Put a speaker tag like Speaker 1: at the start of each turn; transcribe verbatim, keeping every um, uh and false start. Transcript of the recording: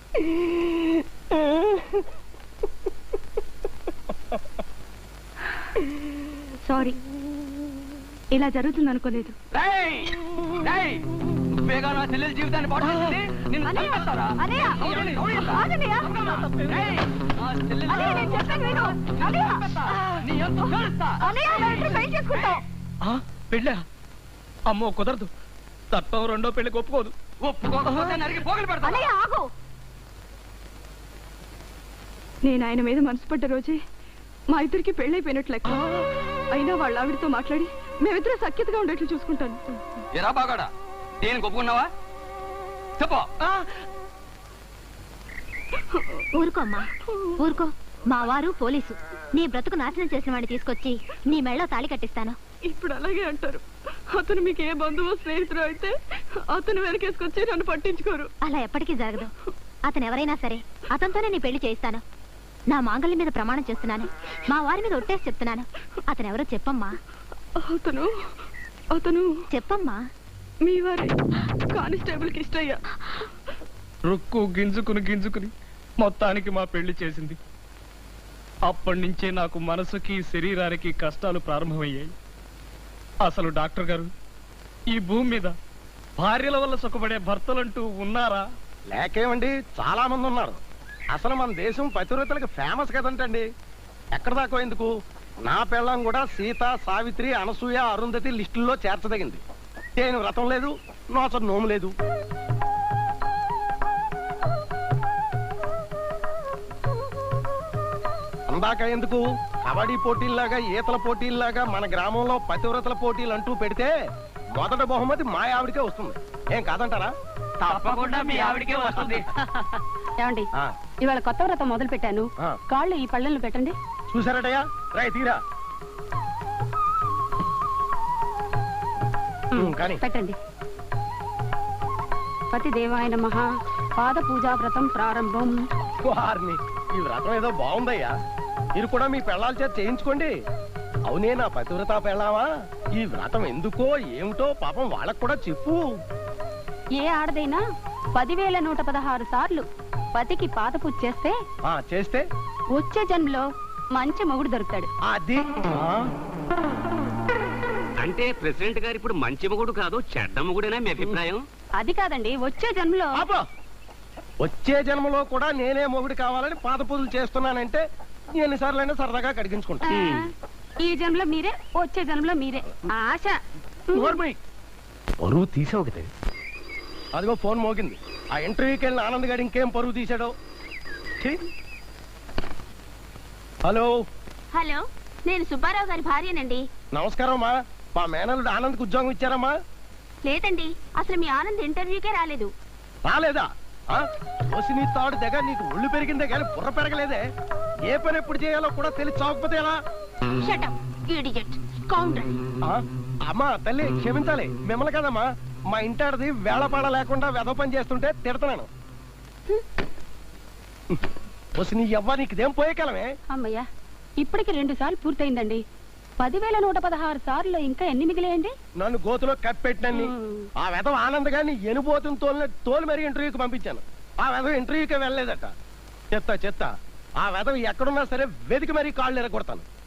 Speaker 1: Sorry, ఇలా జరుగుతుంది అనుకోలేదు.
Speaker 2: నువ్వేగా నా చెల్లెల జీవితాన్ని పాడు చేసింది. నిన్ను చంపేస్తారా?
Speaker 3: పెళ్ళా? అమ్మో కుదరదు. తప్పం రెండో పెళ్లికి ఒప్పుకోదు.
Speaker 2: ఒప్పుకోకపోతే నరికి పోగలు పెడతా.
Speaker 1: నేను ఆయన మీద మనసు పడ్డ రోజే మా ఇద్దరికి పెళ్ళైపోయినట్లు లెక్క. అయినా వాళ్ళ ఆవిడతో మాట్లాడి మేమిద్దరం సఖ్యతగా ఉండేట్లు చూసుకుంటాను.
Speaker 2: ఎరా బాగాడా, దేనికి ఒప్పుకున్నావా? చెప్పు.
Speaker 4: ఊరుకో అమ్మా, ఊరుకో. మా వారు పోలీసు. నీ బ్రతుకు నాశనం చేసిన వాడిని తీసుకొచ్చి నీ మెళ్ళో తాళి కట్టిస్తాను.
Speaker 1: ఇప్పుడు అలాగే అంటారు. అతను మీకు ఏ బంధువు స్నేహితుడు అయితే అతను వెనకేసుకొచ్చి నన్ను పట్టించుకోరు.
Speaker 4: అలా ఎప్పటికీ జరగదు. అతను ఎవరైనా సరే అతనితోనే నీ పెళ్లి చేయిస్తాను. నా మాంగళ్యం మీద ప్రమాణం చేస్తున్నాను. మా వారి మీద ఒట్టేసి చెప్తున్నాను. అతను ఎవరో చెప్పమ్మా.
Speaker 1: అతను అతను
Speaker 4: చెప్పమ్మా.
Speaker 1: మీ వారి కానిస్టేబుల్ కి ఇష్టయ్యా.
Speaker 3: రుక్కు గింజుకుని గింజుకుని మొత్తానికి మా పెళ్లి చేసింది. అప్పటి నుంచే నాకు మనసుకి శరీరానికి కష్టాలు ప్రారంభమయ్యాయి. అసలు డాక్టర్ గారు, ఈ భూమి మీద భార్యల వల్ల సుఖపడే భర్తలంటూ ఉన్నారా?
Speaker 5: లేకేమండి, చాలా మంది ఉన్నారు. అసలు మన దేశం పతివ్రతలకు ఫేమస్ కదంటండి. ఎక్కడ దాకా ఎందుకు, నా పెళ్ళం కూడా సీత, సావిత్రి, అనసూయ, అరుంధతి లిస్టుల్లో చేర్చదగింది. నేను వ్రతం లేదు, నోచ నోము లేదు. అందాక ఎందుకు, కబడ్డీ పోటీల్లాగా, ఈతల పోటీల్లాగా మన గ్రామంలో పతివ్రతల పోటీలు అంటూ పెడితే మొదట బహుమతి మా ఆవిడికే వస్తుంది. ఏం కాదంటారా?
Speaker 2: తప్పకుండా మీ ఆవిడికే వస్తుంది.
Speaker 1: ఏమండి, ఇవాళ కొత్త వ్రతం మొదలు పెట్టాను. కాళ్ళు ఈ పళ్ళెలను పెట్టండి.
Speaker 5: చూసారటయ్యా, రాయి తీరా కానీ
Speaker 1: పెట్టండి. పతి దేవాయ నమః. పాద పూజా వ్రతం ప్రారంభం.
Speaker 5: వారిని, ఈ వ్రతం ఏదో బాగుందయ్యా. మీరు కూడా మీ పెళ్ళాల చేత చేయించుకోండి. అవునే నా పతివ్రత పెళ్ళావా, ఈ వ్రతం ఎందుకో ఏమిటో పాపం వాళ్ళకు కూడా చెప్పు.
Speaker 1: ఏ ఆడదైనా పదివేల నూట పదహారు సార్లు పతికి పాద పూజ చేస్తే
Speaker 5: ఆ చేస్తే
Speaker 1: వచ్చే జన్మలో మంచి మొగుడు దొరుకుతాడు.
Speaker 5: అది
Speaker 2: అంటే ప్రెసిడెంట్ గారు ఇప్పుడు మంచి మొగుడు కాదు, చెడ్డ మొగుడేనా మీ అభిప్రాయం?
Speaker 1: అది కాదండి, వచ్చే జన్మలో.
Speaker 5: వచ్చే జన్మలో కూడా నేనే మొగుడు కావాలని పాద పూజలు చేస్తున్నానంటే ఎన్నిసార్లైనా సరదాగా కడిగించుకుంటా.
Speaker 1: ఈ జన్మలో మీరే, వచ్చే జన్మలో మీరే. ఆశ.
Speaker 5: పరువు తీసావు కదా. అదిగో ఫోన్ మోగింది. ఆ ఇంటర్వ్యూకి వెళ్ళిన ఆనంద్ గారు ఇంకేం పరువు తీశాడో. హలో
Speaker 4: హలో, నేను సుబ్బారావు గారి భార్యనండి.
Speaker 5: నమస్కారం అమ్మా. మా మేనల్లుడు ఆనంద్కి ఉద్యోగం ఇచ్చారమ్మా?
Speaker 4: లేదండి, అసలు మీ ఆనంద్ ఇంటర్వ్యూకే రాలేదు.
Speaker 5: రాలేదా? వచ్చి నీ తాడు దగ్గర నీకు ఒళ్ళు పెరిగిందే కానీ బుర్ర పెరగలేదే. ఏ పని ఎప్పుడు చేయాలో కూడా తెలిసి చావకపోతే ఎలా? అమ్మా తల్లి క్షమించాలి, మిమ్మల్ని కదమ్మా. మా ఇంటాడిది వేళపాడ లేకుండా వెధ పని చేస్తుంటే తిడతాను. వచ్చి నీ ఎవ్వ నీకుదేం పోయే కాలమే.
Speaker 1: అమ్మయ్యా, ఇప్పటికి రెండు సార్లు పూర్తయిందండి. పదివేల నూట పదహారు సార్లు ఇంకా ఎన్ని మిగిలేయండి?
Speaker 5: నన్ను గోతులో కప్పెట్టినన్ని ఆ వెధవ ఆనంద్ గారిని ఎనుబోతుని తోలి తోలు మరి ఇంటర్వ్యూకి పంపించాను. ఆ వెధవ ఇంటర్వ్యూకి వెళ్ళలేదట. చెత్త చెత్త. ఆ వెధవ ఎక్కడున్నా సరే వెతికి మరీ కాళ్ళు ఎరగొడతాను.